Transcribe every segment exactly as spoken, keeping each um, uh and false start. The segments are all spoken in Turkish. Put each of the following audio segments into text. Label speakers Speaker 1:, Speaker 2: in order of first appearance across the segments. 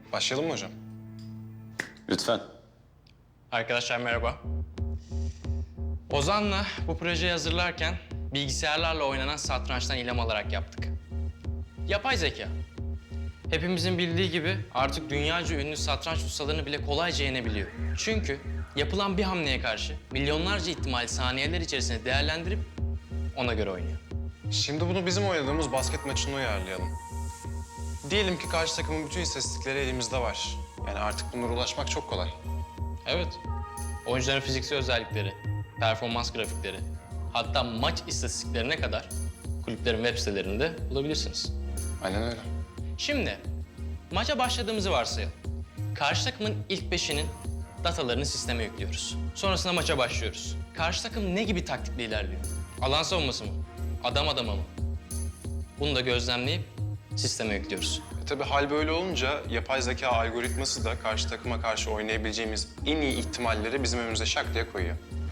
Speaker 1: Başlayalım mı hocam?
Speaker 2: Lütfen.
Speaker 3: Arkadaşlar merhaba. Ozan'la bu projeyi hazırlarken bilgisayarlarla oynanan satrançtan ilham alarak yaptık. Yapay zeka. Hepimizin bildiği gibi artık dünyaca ünlü satranç ustalarını bile kolayca yenebiliyor. Çünkü yapılan bir hamleye karşı milyonlarca ihtimal saniyeler içerisinde değerlendirip ona göre oynuyor.
Speaker 1: Şimdi bunu bizim oynadığımız basket maçına uyarlayalım. Diyelim ki karşı takımın bütün istatistikleri elimizde var. Yani artık bunlara ulaşmak çok kolay.
Speaker 3: Evet. Oyuncuların fiziksel özellikleri, performans grafikleri, hatta maç istatistiklerine kadar kulüplerin web sitelerinde bulabilirsiniz.
Speaker 1: Aynen öyle.
Speaker 3: Şimdi maça başladığımızı varsayalım. Karşı takımın ilk beşinin datalarını sisteme yüklüyoruz. Sonrasında maça başlıyoruz. Karşı takım ne gibi taktikle ilerliyor? Alan savunması mı? Adam adama mı? Bunu da gözlemleyip sisteme yüklüyoruz.
Speaker 1: E tabii hal böyle olunca yapay zeka algoritması da karşı takıma karşı oynayabileceğimiz en iyi ihtimalleri bizim önümüze şak diye koyuyor.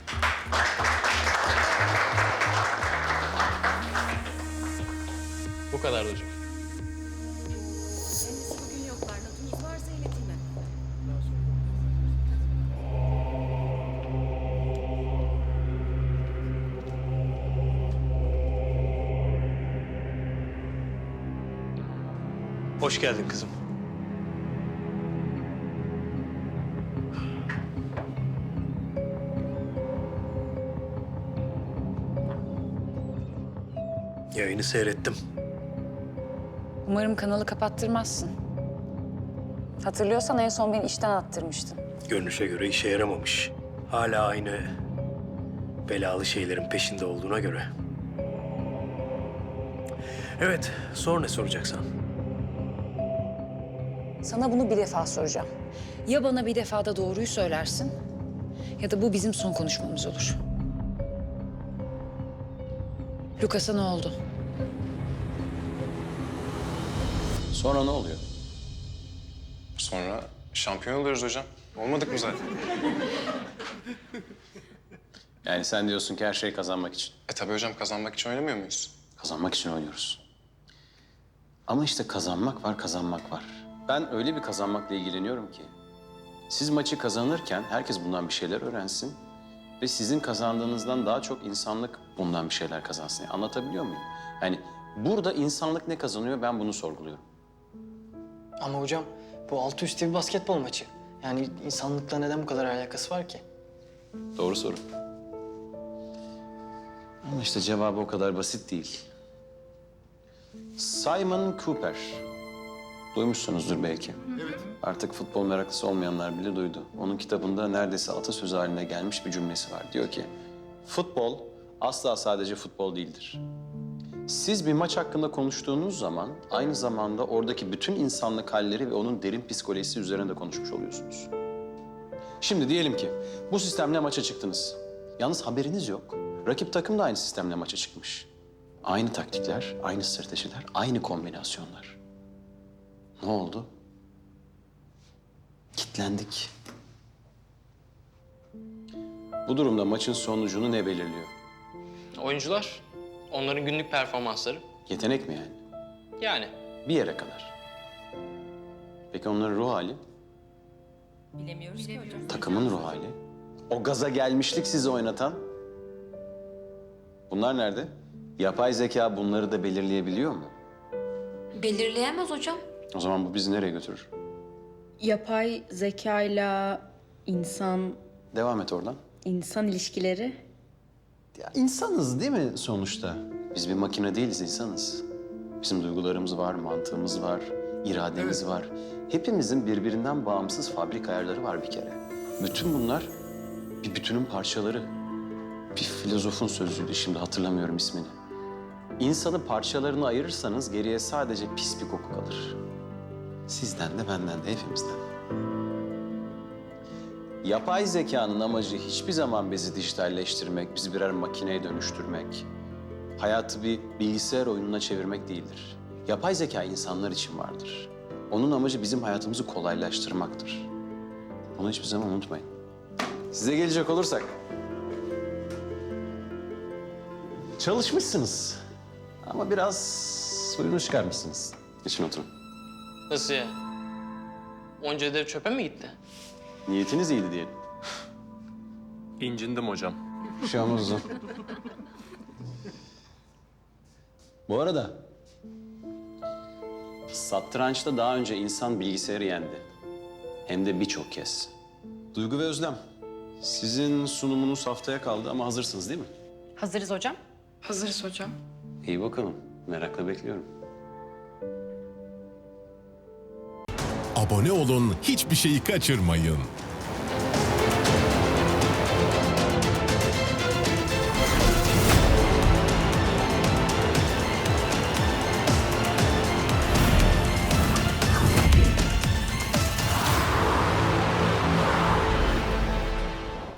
Speaker 3: Bu kadar hocam.
Speaker 4: Kendisi bugün yoklar. Notunuz varsa ileteyim hemen.
Speaker 5: Hoş geldin kızım. Yayını seyrettim.
Speaker 6: Umarım kanalı kapattırmazsın. Hatırlıyorsan en son beni işten attırmıştın.
Speaker 5: Görünüşe göre işe yaramamış. Hala aynı belalı şeylerin peşinde olduğuna göre. Evet, sor ne soracaksan.
Speaker 6: Sana bunu bir defa soracağım. Ya bana bir defada doğruyu söylersin ya da bu bizim son konuşmamız olur. Lucas'a ne oldu?
Speaker 2: Sonra ne oluyor?
Speaker 1: Sonra şampiyon oluyoruz hocam. Olmadık mı zaten?
Speaker 2: Yani sen diyorsun ki her şey kazanmak için.
Speaker 1: E tabii hocam, kazanmak için oynamıyor muyuz?
Speaker 2: Kazanmak için oynuyoruz. Ama işte kazanmak var, kazanmak var. Ben öyle bir kazanmakla ilgileniyorum ki... siz maçı kazanırken herkes bundan bir şeyler öğrensin... ve sizin kazandığınızdan daha çok insanlık bundan bir şeyler kazansın. Yani anlatabiliyor muyum? Yani burada insanlık ne kazanıyor, ben bunu sorguluyorum.
Speaker 7: Ama hocam bu altı üstü bir basketbol maçı. Yani insanlıkla neden bu kadar alakası var ki?
Speaker 2: Doğru soru. Ama işte cevabı o kadar basit değil. Simon Cooper. Duymuşsunuzdur belki. Evet. Artık futbol meraklısı olmayanlar bile duydu. Onun kitabında neredeyse atasözü haline gelmiş bir cümlesi var. Diyor ki, futbol asla sadece futbol değildir. Siz bir maç hakkında konuştuğunuz zaman aynı zamanda oradaki bütün insanlık halleri ve onun derin psikolojisi üzerine de konuşmuş oluyorsunuz. Şimdi diyelim ki bu sistemle maça çıktınız. Yalnız haberiniz yok. Rakip takım da aynı sistemle maça çıkmış. Aynı taktikler, aynı stratejiler, aynı kombinasyonlar. Ne oldu? Kitlendik. Bu durumda maçın sonucunu ne belirliyor?
Speaker 3: Oyuncular, onların günlük performansları.
Speaker 2: Yetenek mi yani?
Speaker 3: Yani
Speaker 2: Bir yere kadar. Peki onların ruh hali?
Speaker 4: Bilemiyoruz ki hocam.
Speaker 2: Takımın ruh hali? O gaza gelmişlik sizi oynatan? Bunlar nerede? Yapay zeka bunları da belirleyebiliyor mu?
Speaker 4: Belirleyemez hocam.
Speaker 2: O zaman bu bizi nereye götürür?
Speaker 8: Yapay zekayla insan
Speaker 2: Devam et oradan.
Speaker 8: insan ilişkileri.
Speaker 2: Ya insanız değil mi sonuçta? Biz bir makine değiliz, insanız. Bizim duygularımız var, mantığımız var, irademiz var. Hepimizin birbirinden bağımsız fabrik ayarları var bir kere. Bütün bunlar bir bütünün parçaları. Bir filozofun sözüydü, şimdi hatırlamıyorum ismini. İnsanı parçalarına ayırırsanız geriye sadece pis bir koku kalır. Sizden de benden de hepimizden. Yapay zekanın amacı hiçbir zaman bizi dijitalleştirmek, bizi birer makineye dönüştürmek, hayatı bir bilgisayar oyununa çevirmek değildir. Yapay zeka insanlar için vardır. Onun amacı bizim hayatımızı kolaylaştırmaktır. Bunu hiçbir zaman unutmayın. Size gelecek olursak... çalışmışsınız ama biraz suyunu çıkarmışsınız. Geçin oturun.
Speaker 3: nasıl ya? Onca ödev çöpe mi gitti?
Speaker 2: Niyetiniz iyiydi diyelim.
Speaker 1: İncindim hocam.
Speaker 2: Bir şey olmaz o. Bu arada satrançta daha önce insan bilgisayarı yendi. Hem de birçok kez. Duygu ve Özlem, sizin sunumunuz haftaya kaldı ama hazırsınız değil mi?
Speaker 8: Hazırız hocam.
Speaker 9: Hazırız hocam.
Speaker 2: İyi bakalım. Merakla bekliyorum.
Speaker 10: Abone olun, hiçbir şeyi kaçırmayın.